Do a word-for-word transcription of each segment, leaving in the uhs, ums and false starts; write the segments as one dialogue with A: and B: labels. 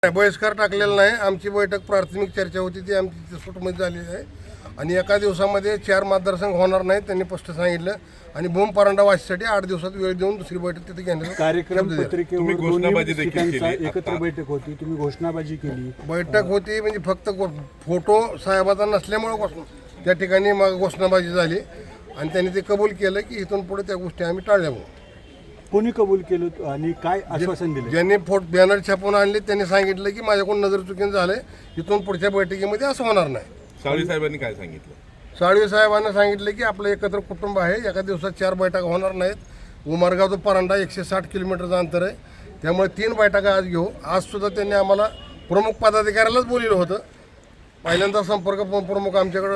A: बहिष्कार टाकलेला नाही. आमची बैठक प्राथमिक चर्चा होती ती आमची सुटमध्ये झालेली आहे आणि एका दिवसामध्ये चार मतदारसंघ होणार नाहीत त्यांनी स्पष्ट सांगितलं. आणि बोंब परांडा वाचीसाठी आठ दिवसात वेळ देऊन दुसरी बैठक तिथे घेण्याचा
B: कार्यक्रम पत्रिकेवर घोषणाबाजी देखील एकत्र बैठक होती, तुम्ही घोषणाबाजी केली.
A: बैठक होती म्हणजे फक्त फोटो साहेबाचा नसल्यामुळे घोषणा त्या ठिकाणी मग घोषणाबाजी झाली आणि त्यांनी ते कबूल केलं की इथून पुढे त्या गोष्टी आम्ही टाळल्या.
B: कोणी कबूल केलं आणि काय आश्वासन दिलं?
A: ज्यांनी फोट बॅनर छापून आणले त्यांनी सांगितलं की माझ्याकडून नजर चुकीनं झालंय, इथून पुढच्या बैठकीमध्ये असं होणार नाही.
C: साळवी साहेबांनी काय सांगितलं?
A: साळवी साहेबांना सांगितलं की आपलं एकत्र कुटुंब आहे, एका दिवसात चार बैठका होणार नाहीत. उमरगाव तो परांडा एकशे साठ किलोमीटरचं अंतर आहे, त्यामुळे तीन बैठका आज घेऊ. आजसुद्धा त्यांनी आम्हाला प्रमुख पदाधिकाऱ्यालाच बोललेलं होतं. पहिल्यांदा संपर्क प्रमुख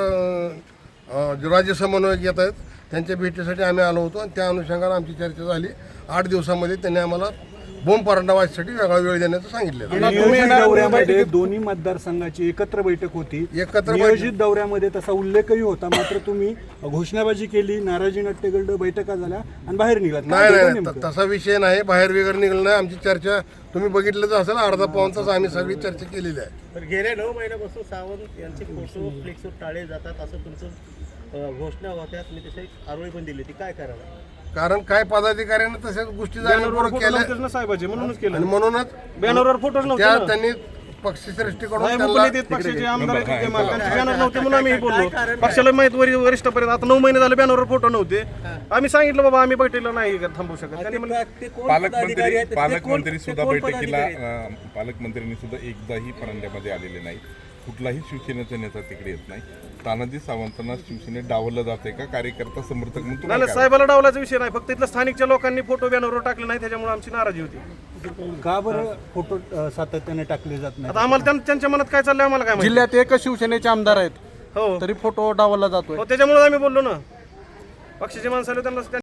A: आमच्याकडं राज्य समन्वयक येत आहेत, त्यांच्या भेटीसाठी आम्ही आलो होतो आणि त्या अनुषंगाने आमची चर्चा झाली. आठ दिवसामध्ये त्यांनी आम्हाला बोंब परांडा वाचीसाठी वेगळा वेळ देण्याचं सांगितलं.
B: नियोजित दौऱ्यामध्ये दोन्ही मतदारसंघाची एकत्र बैठक होती.
A: एकत्र
B: नियोजित दौऱ्यामध्ये तसा उल्लेखही होता, मात्र तुम्ही घोषणाबाजी केली, नाराजी नाट्यगंड बैठका झाल्या आणि बाहेर निघालात.
A: नाही नाही तसा विषय नाही, बाहेर वगैरे निघालं नाही. आमची चर्चा तुम्ही बघितलंच असेल, अर्धा पाऊण तास आम्ही सगळी चर्चा केलेली आहे.
D: तर गेल्या नऊ महिन्यापासून सावंत यांचे फोटो फ्लेक्सवर टाळे जातात असं तुमचं घोषणा होत्या, तुम्ही तसे आरोळी पण दिली, ती काय करायला?
A: कारण काय पदाधिकाऱ्यांना तशाच गोष्टी जाणीवपूर्वक केल्या
D: साहेबांचे म्हणूनच केलं
A: आणि म्हणूनच
D: बॅनरवर फोटोच
A: त्या त्यांनी पक्षश्रेष्ठीकडून त्यांना
D: पक्षाचे आमदार बॅनर नव्हते म्हणून आम्ही बोललो. पक्षाला माहित वरिष्ठपर्यंत आता नऊ महिने झाले बॅनरवर फोटो नव्हते. आम्ही सांगितलं बाबा आम्ही बैठकीला नाही थांबू शकत. त्यांनी म्हणलं
C: पालकमंत्री पालकमंत्री सुद्धा बैठकीला अं, पालकमंत्र्यांनी सुद्धा एकदाही परांड्यामध्ये आलेले नाही. कुठलाही शिवसेनेचा नेता तिकडे येत नाही. तानाजी सावंतांना शिवसेनेत डावललं जाते का कार्यकर्ता समर्थक म्हणून?
D: नाही नाही, साहेबाला डावलाचा विषय नाही, फक्त इथल्या स्थानिकच्या लोकांनी फोटो बॅनरवर टाकले नाही, त्याच्यामुळे आमची नाराजी होती.
B: का बरं फोटो अ, सातत्याने टाकले जात नाही?
D: आता आम्हाला त्यां- त्यांच्या मनात काय चाललंय आम्हाला काय माहिती.
E: जिल्ह्यात एकच शिवसेनेचे आमदार आहेत
D: हो
E: तरी फोटो डावलला जातोय.
D: हो, त्याच्यामुळे आम्ही बोललो ना, पक्षाचे माणसं आले त्यांना